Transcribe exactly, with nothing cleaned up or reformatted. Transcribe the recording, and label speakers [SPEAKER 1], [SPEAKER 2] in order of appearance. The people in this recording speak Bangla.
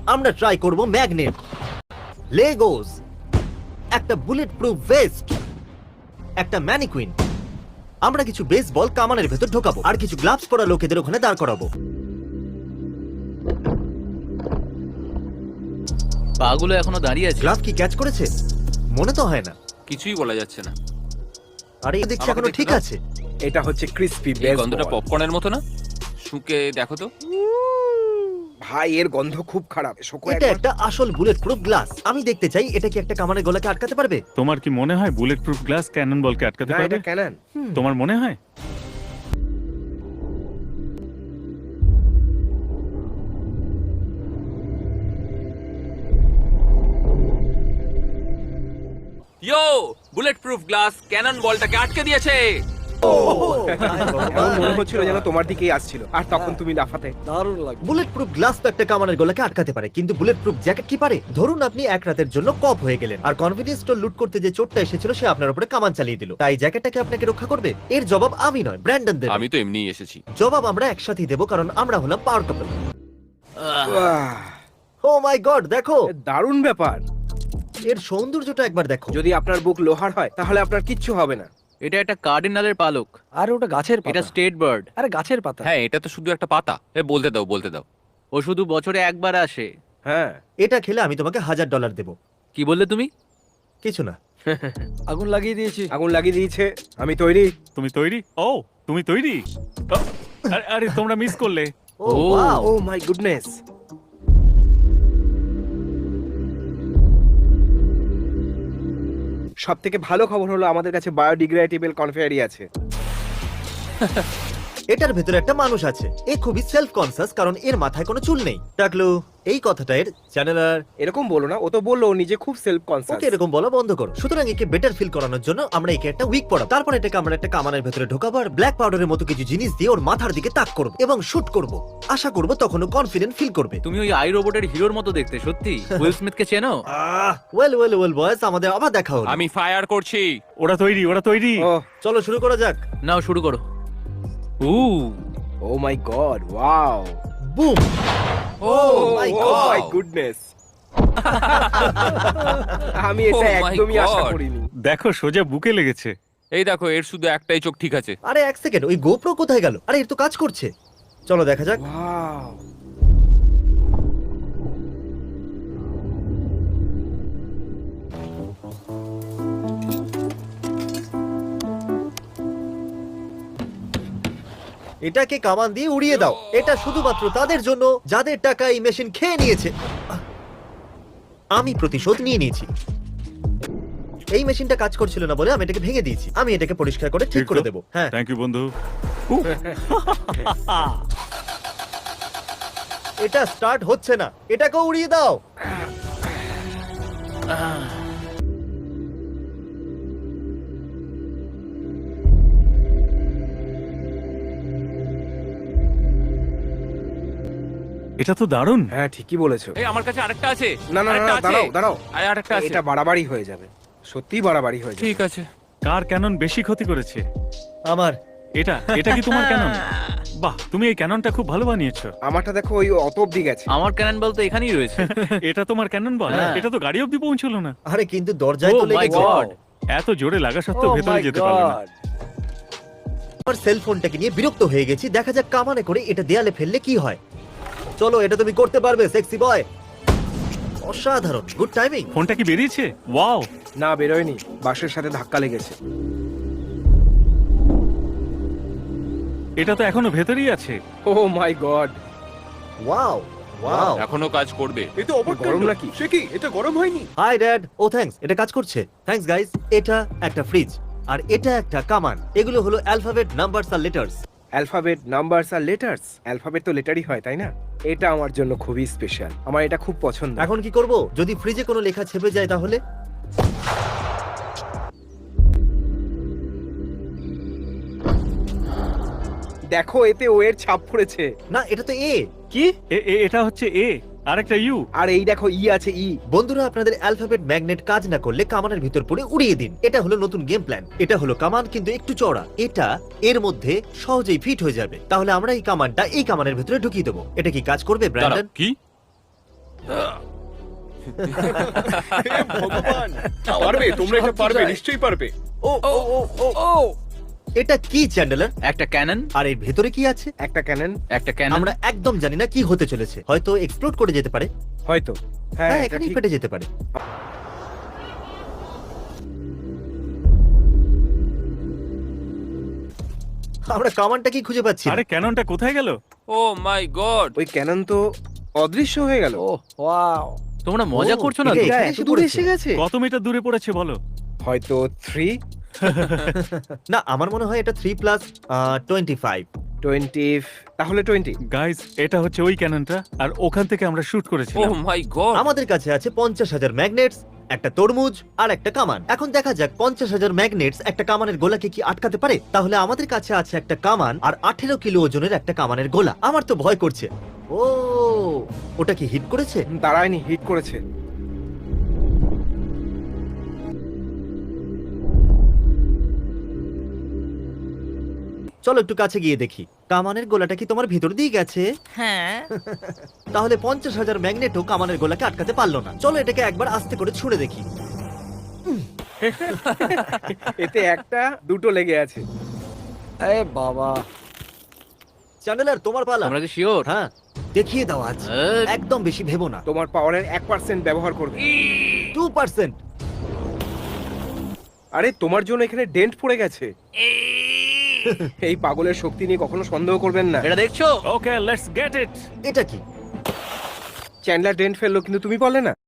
[SPEAKER 1] আমরা ট্রাই করব ম্যাগনেট, লেগোস, একটা বুলেট প্রুফ ভেস্ট, একটা ম্যানিকুইন। আমরা কিছু বেসবল কামানের ভেতর ঢোকাবো আর কিছু গ্লাভস পরা লোকেদের ওখানে দাঁড় করাবো।
[SPEAKER 2] পাগুলো এখনো দাঁড়িয়ে আছে।
[SPEAKER 1] গ্লাভ কি ক্যাচ করেছে? মনে তো হয় না।
[SPEAKER 3] কিছুই বলা যাচ্ছে না।
[SPEAKER 1] আরে এই দেখছি
[SPEAKER 3] আমাকে
[SPEAKER 1] এখনো
[SPEAKER 3] দেখতে
[SPEAKER 1] ঠিক
[SPEAKER 3] দাও।
[SPEAKER 1] আছে।
[SPEAKER 4] এটা হচ্ছে ক্রিসপি
[SPEAKER 3] এই
[SPEAKER 4] বেসবল।
[SPEAKER 3] গন্ধটা পপকর্নের মতো না? শুকে দেখো তো।
[SPEAKER 4] ভাই এর গন্ধ খুব খারাপ। শোকো
[SPEAKER 1] এটা
[SPEAKER 4] একবার।
[SPEAKER 1] একটা আসল বুলেট প্রুফ গ্লাস। আমি দেখতে চাই এটা কি একটা কামানের গলাকে আটকাতে পারবে।
[SPEAKER 5] তোমার কি মনে হয় বুলেট প্রুফ গ্লাস ক্যানন বলকে আটকাতে
[SPEAKER 4] না,
[SPEAKER 5] পারবে?
[SPEAKER 4] এটা ক্যানন।
[SPEAKER 5] তোমার মনে হয়?
[SPEAKER 3] Yo, bulletproof glass cannon বলটাকে আটকে দিয়েছে।
[SPEAKER 4] এমন মনে হচ্ছিল যেন তোমার দিকেই আসছিল, আর তখন তুমি লাফাতে।
[SPEAKER 1] বুলেট প্রুফ গ্লাস তো একটা কামানের গলাকে আটকাতে পারে, কিন্তু বুলেট প্রুফ জ্যাকেট কি পারে? ধরুন আপনি এক রাতের জন্য কপ হয়ে গেলেন, আর কনফিডেন্স স্টোর লুট করতে যে চোরটা এসেছিল সে আপনার উপরে কামান চালিয়ে দিল। তাই জ্যাকেটটাকে আপনাকে রক্ষা করবে? এর জবাব আমি নয়, ব্র্যান্ডন দেবে।
[SPEAKER 3] আমি তো এমনিই এসেছি।
[SPEAKER 1] জবাব আমরা একসাথেই দেবো, কারণ আমরা হলাম পাওয়ার কাপল।
[SPEAKER 4] আহ,
[SPEAKER 1] ও মাই গড, দেখো
[SPEAKER 4] এ দারুণ ব্যাপার।
[SPEAKER 1] এর সৌন্দর্যটা একবার দেখো।
[SPEAKER 4] যদি আপনার বুক লোহার হয় তাহলে আপনার কিচ্ছু হবে না।
[SPEAKER 2] এটা একটা কার্ডিনালের পালক।
[SPEAKER 6] আরে ওটা গাছের
[SPEAKER 2] এটা
[SPEAKER 6] পাতা।
[SPEAKER 2] State bird.
[SPEAKER 6] আরে গাছের পাতা।
[SPEAKER 3] হ্যাঁ, এটা তো শুধু একটা পাতা। এ বলতে দাও, বলতে দাও।
[SPEAKER 2] ও শুধু বছরে একবার আসে।
[SPEAKER 4] হ্যাঁ,
[SPEAKER 1] এটা খেলে আমি তোমাকে হাজার ডলার দেবো।
[SPEAKER 2] কি বললে তুমি?
[SPEAKER 1] কিছু না।
[SPEAKER 6] আগুন লাগিয়ে দিয়েছি।
[SPEAKER 4] আগুন লাগিয়ে দিয়েছে। আমি তৈরি।
[SPEAKER 5] তুমি তৈরি? ও তুমি তৈরি? ও, আরে- আরে তোমরা মিস করলে।
[SPEAKER 1] Oh wow,
[SPEAKER 4] oh my goodness. সব থেকে ভালো খবর হলো আমাদের কাছে বায়োডিগ্রেডেবল কনফেয়ারি আছে।
[SPEAKER 1] এটার ভেতরে একটা মানুষ আছে। এ খুবই সেলফ কনসিয়াস, কারণ এর মাথায় কোনো চুল নেই। টাকলু, এই কথাটা এর চ্যানেলার।
[SPEAKER 4] এরকম বলো না, ও তো বললো ও নিজে খুব সেলফ কনসিয়াস।
[SPEAKER 1] ওকে এরকম বলা বন্ধ করো। সুতরাং একে বেটার ফিল করানোর জন্য আমরা একে একটা উইক পড়াবো। তারপর এটাকে আমরা একটা কামানের ভেতরে ঢোকাবো আর ব্ল্যাক পাউডারের মতো কিছু জিনিস দিয়ে ওর মাথার দিকে তাক করবো এবং শুট করব। আশা করব তখন ও কনফিডেন্ট ফিল করবে।
[SPEAKER 2] তুমি ওই আই রোবটের হিরোর মতো দেখতে, সত্যি। উইল স্মিথকে চেনো?
[SPEAKER 1] আহ ওয়েল ওয়েল ওয়েল বয়েস, আমাদের আবার দেখা হলো।
[SPEAKER 3] আমি ফায়ার করছি।
[SPEAKER 5] ওরা তৈরি, ওরা তৈরি।
[SPEAKER 4] ও
[SPEAKER 1] চলো শুরু করা যাক।
[SPEAKER 2] নাও শুরু করো। উ
[SPEAKER 4] oh my God, wow.
[SPEAKER 1] Boom.
[SPEAKER 3] Oh
[SPEAKER 1] my
[SPEAKER 4] oh
[SPEAKER 1] God!
[SPEAKER 4] My goodness. আমি এটা
[SPEAKER 3] Oh my
[SPEAKER 4] একদমই আশা
[SPEAKER 3] God!
[SPEAKER 4] করিনি।
[SPEAKER 5] দেখো সোজা বুকে লেগেছে।
[SPEAKER 3] এই দেখো, এর শুধু একটাই চোখ ঠিক আছে।
[SPEAKER 1] আরে এক সেকেন্ড, ওই গোপ্রো কোথায় গেল? আরে এর তো কাজ করছে। চলো দেখা যাক।
[SPEAKER 4] ওয়াও।
[SPEAKER 1] এটাকে কামান দিয়ে উড়িয়ে দাও। এটা শুধুমাত্র তাদের জন্য যাদের টাকা এই মেশিন খেয়ে নিয়েছে। আমি প্রতিশোধ নিয়ে নিয়েছি। এই মেশিনটা কাজ করছিল না বলে আমি এটাকে ভেঙে দিয়েছি। আমি এটাকে পরিষ্কার করে ঠিক করে দেবো। হ্যাঁ,
[SPEAKER 5] থ্যাংক ইউ বন্ধু।
[SPEAKER 1] এটা স্টার্ট হচ্ছে না। এটাকে উড়িয়ে দাও।
[SPEAKER 5] এটা তো দারুণ।
[SPEAKER 4] হ্যাঁ, ঠিকই বলেছো।
[SPEAKER 3] এই আমার কাছে আরেকটা আছে।
[SPEAKER 4] না না না,
[SPEAKER 3] আরেকটা
[SPEAKER 4] না,
[SPEAKER 3] আছে।
[SPEAKER 4] দাঁড়াও দাঁড়াও।
[SPEAKER 3] আরে আরেকটা আছে।
[SPEAKER 4] এটা বাড়াবাড়ি হয়ে যাবে, সত্যিই বাড়াবাড়ি হয়ে যাবে।
[SPEAKER 3] ঠিক আছে।
[SPEAKER 5] কার ক্যানন বেশি ক্ষতি করেছে?
[SPEAKER 1] আমার
[SPEAKER 5] এটা এটা কি তোমার ক্যানন? বাহ, তুমি এই ক্যাননটা খুব ভালো বানিয়েছো।
[SPEAKER 4] আমারটা দেখো, ওই অত অব্দি গেছে।
[SPEAKER 2] আমার ক্যানন বল তো এখানেই রয়েছে।
[SPEAKER 5] এটা তোমার ক্যানন বল?
[SPEAKER 2] হ্যাঁ।
[SPEAKER 5] এটা তো গাড়ি অব্দি পৌঁছলো না।
[SPEAKER 1] আরে কিন্তু দরজায় তো
[SPEAKER 2] Oh my
[SPEAKER 1] লেগেছে।
[SPEAKER 2] God!
[SPEAKER 5] এত জোরে লাগা সত্ত্বেও
[SPEAKER 6] Oh
[SPEAKER 5] ভেতরে
[SPEAKER 6] my
[SPEAKER 5] যেতে পারলো না।
[SPEAKER 6] God!
[SPEAKER 1] আমার সেল ফোনটাকে নিয়ে বিরক্ত হয়ে গেছি। দেখা যাক কামানে করে এটা দেয়ালে ফেললে কি হয়। চলো, এটা তুমি করতে পারবে সেক্সি বয়। অসাধারণ, গুড টাইমিং।
[SPEAKER 5] ফোনটা কি বেরিয়েছে? ওয়াও!
[SPEAKER 4] না, বেরোয়নি, বাসের সাথে ধাক্কা লেগেছে।
[SPEAKER 5] এটা তো এখনো ভেতরেই আছে।
[SPEAKER 4] Oh my God.
[SPEAKER 1] Wow wow.
[SPEAKER 3] এখনো কাজ করবে।
[SPEAKER 4] এটা গরম নাকি? সে কি, এটা গরম হয়নি?
[SPEAKER 1] High dad. ও থ্যাঙ্কস, এটা কাজ করছে। Thanks guys. এটা একটা ফ্রিজ আর এটা একটা কামান। এগুলো হলো অ্যালফাবেট, নাম্বারস আর লেটার্স।
[SPEAKER 4] অ্যালফাবেট, নাম্বারস আর লেটার্স। অ্যালফাবেট তো লেটারই হয়, তাই না? এটা আমার জন্য খুবই স্পেশাল। আমার এটা খুব পছন্দ।
[SPEAKER 1] এখন কি করব? যদি ফ্রিজে কোনো লেখা ছেপে যায় তাহলে?
[SPEAKER 4] দেখো, এতে ও এর ছাপ পড়েছে।
[SPEAKER 1] না, এটা তো এ।
[SPEAKER 4] কি?
[SPEAKER 5] এ- এ- এটা হচ্ছে এ আর একটা ইউ।
[SPEAKER 4] আর এই দেখো, ই আছে, ই।
[SPEAKER 1] বন্ধুরা, আপনাদের অ্যালফাবেট ম্যাগনেট কাজ না করলে কামানের ভিতর পড়ে উড়িয়ে দিন। এটা হলো নতুন গেম প্ল্যান। এটা হলো কামান, কিন্তু একটু চওড়া। এটা এর মধ্যে সহজেই ফিট হয়ে যাবে। তাহলে আমরা এই কামানটা এই কামানের ভিতরে ঢুকিয়ে দেবো। এটা কি কাজ করবে
[SPEAKER 3] দাঁড়াও,
[SPEAKER 1] ব্র্যান্ডন?
[SPEAKER 3] কি?
[SPEAKER 4] ভগবান, পারবে, তোমরা এটা পারবে, নিশ্চয়ই পারবে। ও ও ও ও ও
[SPEAKER 1] এটা কি চ্যান্ডেলার?
[SPEAKER 2] একটা ক্যানন,
[SPEAKER 1] আর এর ভেতরে কি আছে?
[SPEAKER 4] একটা ক্যানন,
[SPEAKER 2] একটা ক্যানন।
[SPEAKER 1] আমরা একদম জানি না কি হতে চলেছে, হয়তো এক্সপ্লোড করে যেতে পারে।
[SPEAKER 4] হয়তো। হ্যাঁ,
[SPEAKER 1] হ্যাঁ,
[SPEAKER 4] এটা
[SPEAKER 1] এখানেই
[SPEAKER 4] ঠিক।
[SPEAKER 1] ফেটে যেতে পারে। আমরা কামানটা কি খুঁজে পাচ্ছি না।
[SPEAKER 5] আরে ক্যাননটা কোথায় গেল?
[SPEAKER 3] ও মাই গড,
[SPEAKER 4] ওই ক্যানন তো অদৃশ্য হয়ে গেল।
[SPEAKER 6] ও ওয়াও,
[SPEAKER 2] তোমরা মজা
[SPEAKER 1] ও,
[SPEAKER 2] করছো না
[SPEAKER 1] এটা
[SPEAKER 2] তো?
[SPEAKER 4] এটা
[SPEAKER 1] এখানে
[SPEAKER 4] এত
[SPEAKER 1] এসে
[SPEAKER 4] দূরে
[SPEAKER 1] পড়েছে।
[SPEAKER 4] এসে গেছে।
[SPEAKER 5] কত মিটার দূরে পড়েছে বলো?
[SPEAKER 4] হয়তো থ্রি
[SPEAKER 1] না, আমার মনে হয় এটা three plus twenty five.
[SPEAKER 4] Twenty, তাহলে টোয়েন্টি।
[SPEAKER 5] গাইস, এটা হচ্ছে ওই ক্যাননটা, আর ওখান থেকে আমরা শুট
[SPEAKER 3] ও
[SPEAKER 5] করেছিলাম।
[SPEAKER 3] My God.
[SPEAKER 1] আমাদের কাছে আছে পঞ্চাশ হাজার ম্যাগনেটস, একটা তরমুজ আর একটা কামান। এখন দেখা যাক পঞ্চাশ হাজার ম্যাগনেটস একটা কামানের গোলাকে কি আটকাতে পারে। তাহলে আমাদের কাছে আছে একটা কামান আর আঠেরো কিলো ওজনের একটা কামানের গোলা। আমার তো ভয় করছে। ও, ওটা কি হিট করেছে?
[SPEAKER 4] দাঁড়ায়নি, হিট করেছে।
[SPEAKER 1] চলো একটু কাছে গিয়ে দেখি। কামানের গোলাটা কি তোমার ভিতর দিয়ে গেছে?
[SPEAKER 7] হ্যাঁ।
[SPEAKER 1] তাহলে পঞ্চাশ হাজার ম্যাগনেটও কামানের গোলাকে আটকাতে পারলো না। চলো এটাকে একবার আস্তে করে ছুঁড়ে দেখি।
[SPEAKER 4] এতে একটা দুটো লেগে আছে।
[SPEAKER 6] এ বাবা,
[SPEAKER 1] চ্যান্ডেলার, তোমার পালা।
[SPEAKER 2] তোমরা কি শিওর?
[SPEAKER 1] হ্যাঁ, দেখিয়ে দাও আজ।
[SPEAKER 2] হ্যাঁ।
[SPEAKER 1] একদম বেশি ভেবো না।
[SPEAKER 4] তোমার পাওয়ারের এক পার্সেন্ট ব্যবহার করবে।
[SPEAKER 1] Two percent.
[SPEAKER 4] আরে তোমার জন্য এখানে ডেন্ট পড়ে গেছে। এই পাগলের শক্তি নিয়ে কখনো সন্দেহ করবেন না।
[SPEAKER 2] এটা দেখছো?
[SPEAKER 5] Okay, let's get it.
[SPEAKER 1] এটা কি?
[SPEAKER 4] চ্যান্ডলার ডেন্ট ফেললো, কিন্তু তুমি বললে না।